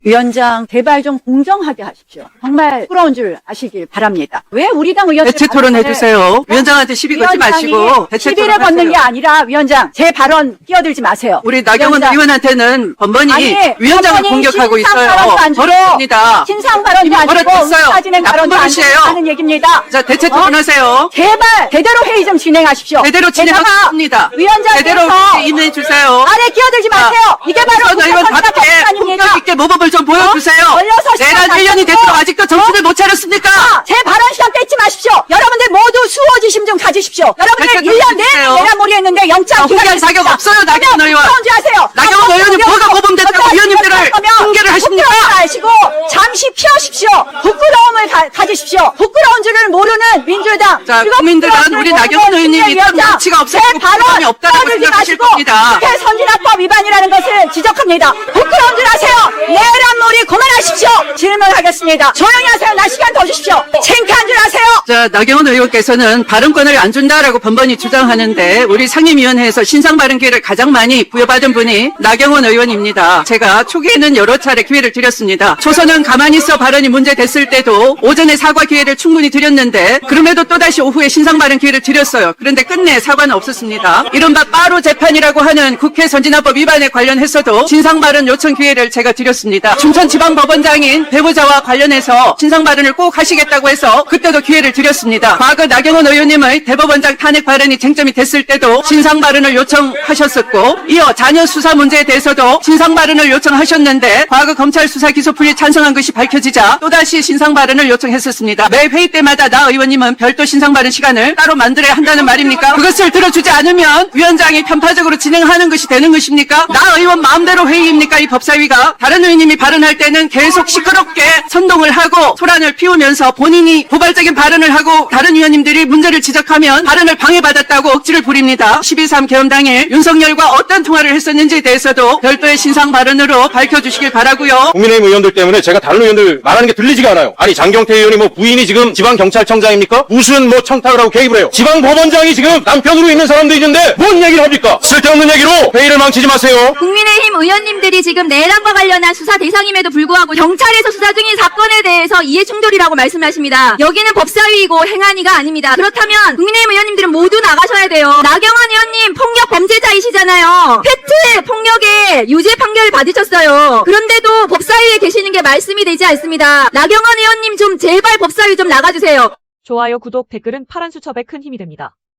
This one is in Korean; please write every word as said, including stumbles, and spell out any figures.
위원장 제발 좀 공정하게 하십시오. 정말 부러운 줄 아시길 바랍니다. 왜 우리 당 의원들 대체 토론 해주세요. 위원장한테 시비 걸지 마시고 대체 시비를 토론 걷는 게 하세요. 아니라 위원장 제 발언 끼어들지 마세요. 우리 나경원 위원장. 의원한테는 번번이 아니, 위원장을 번번이 공격하고 신상 있어요. 발언도 안 주고 버릇입니다. 신상 발언도 이미 아니고 버릇했어요. 사진행 나쁜 발언도 안 버릇이에요. 하는 얘기입니다. 자, 대체 어? 토론하세요. 제발 제대로 회의 좀 진행하십시오. 제대로 게다가 진행하겠습니다. 위원장께서 제대로 임해주세요. 아래 끼어들지 마세요. 이게 바로 우선 의원답게 아닙니까? 폭력 있게 모범을 좀 보여주세요. 어? 걸려서 시간 내란 일 년이 가지고. 됐도록 아직도 정신을 못 차렸습니까? 자, 제 발언 시간 뺏지 마십시오. 여러분들 모두 수호지심 좀 가지십시오. 여러분들 대체 일 년 내내 해주세요. 내란몰이 했는데 영장 아, 홍보할 자격 없어요, 나경원 의원. 하세요. 나경원 의원이 뭐가 모범됐다고 위원님들을 훈계를 하십니까? 부끄러움을 아시고 잠시 피하십시오. 부끄러움을 가, 가지십시오. 부끄러운 줄을 모르는 민주당. 자, 그리고 국민들은 부끄러운 우리 줄 나경원 모르는 의원님이 참 위원장. 염치가 없었고 제 발언 부끄러움이 없다라고 떠들지 생각하실 마시고 겁니다. 국회 선진화법 위반이라는 것을 지적합니다. 부끄러운 줄 아세요. 내란몰이 그만하십시오. 질문하겠습니다. 조용히 하세요. 나 시간 더 주십시오. 창피한 줄 아세요. 자, 나경원 의원께서는 발언권을 안 준다라고 번번이 주장하는데 우리 상임위원회에서 신상 발언 기회를 가장 많이 부여받은 분이 나경원 의원입니다. 제가 초기에는 여러 차례 기회를 드렸습니다. 초선은 가만히 있어 발언이 문제됐을 때도 오전에 사과 기회를 충분히 드렸는데 그럼에도 또다시 오후에 신상 발언 기회를 드렸어요. 그런데 끝내 사과는 없었습니다. 이른바 빠루 재판이라고 하는 국회 선진화법 위반에 관련해서도 신상 발언 요청 기회를 제가 드렸습니다. 춘천지방법원장인 배우자와 관련해서 신상 발언을 꼭 하시겠다고 해서 그때도 기회를 드렸습니다. 과거 나경원 의원님의 대법원장 탄핵 발언이 쟁점이 됐을 때도 신상 발언을 요청하셨었고 이어 자녀 수사 문제에 대해서도 신상 발언을 요청하셨는데 과거 검찰 수사 기소 풀이 찬성한 것이 밝혀지자 또다시 신상 발언을 요청했었습니다. 매 회의 때마다 나 의원님은 별도 신상 발언 시간을 따로 만들어야 한다는 말입니까? 그것을 들어주지 않으면 위원장이 편파적으로 진행하는 것이 되는 것입니까? 나 의원 마음대로 회의입니까? 이 법사위가 다른 의원님이 발언할 때는 계속 시끄럽게 선동을 하고 소란을 피우면서 본인이 도발적인 발언을 하고 다른 의원님들이 문제를 지적하면 발언을 방해받았다고 억지를 부립니다. 십이 삼 개헌 당일 윤석열과 어떤 통화를 했었는지에 대해서도 별도의 신상 발언으로 밝혀주시길 바라고요. 국민의힘 의원들 때문에 제가 다른 의원들 말하는 게 들리지가 않아요. 아니 장경태 의원이 뭐 부인이 지금 지방경찰청장입니까? 무슨 뭐 청탁을 하고 개입을 해요. 지방법원장이 지금 남편으로 있는 사람도 있는데 뭔 얘기를 합니까? 쓸데없는 얘기로 회의를 망치지 마세요. 국민의힘 의원님들이 지금 내란과 관련한 수사 대상임에도 불구하고 경찰에서 수사 중인 사건에 대해서 이해충돌이라고 말씀하십니다. 여기는 법사위이고 행안위가 아닙니다. 그렇다면 국민의힘 의원님들은 모두 나가셔야 돼요. 나경원 의원님 폭력 범죄자이시잖아요. 페트 폭력에 유죄 판결을 받으셨어요. 그런데도 법사위에 계시는 게 말씀이 되지 않습니다. 나경원 의원님 좀 제발 법사위 좀 나가주세요. 좋아요, 구독, 댓글은 파란 수첩에 큰 힘이 됩니다.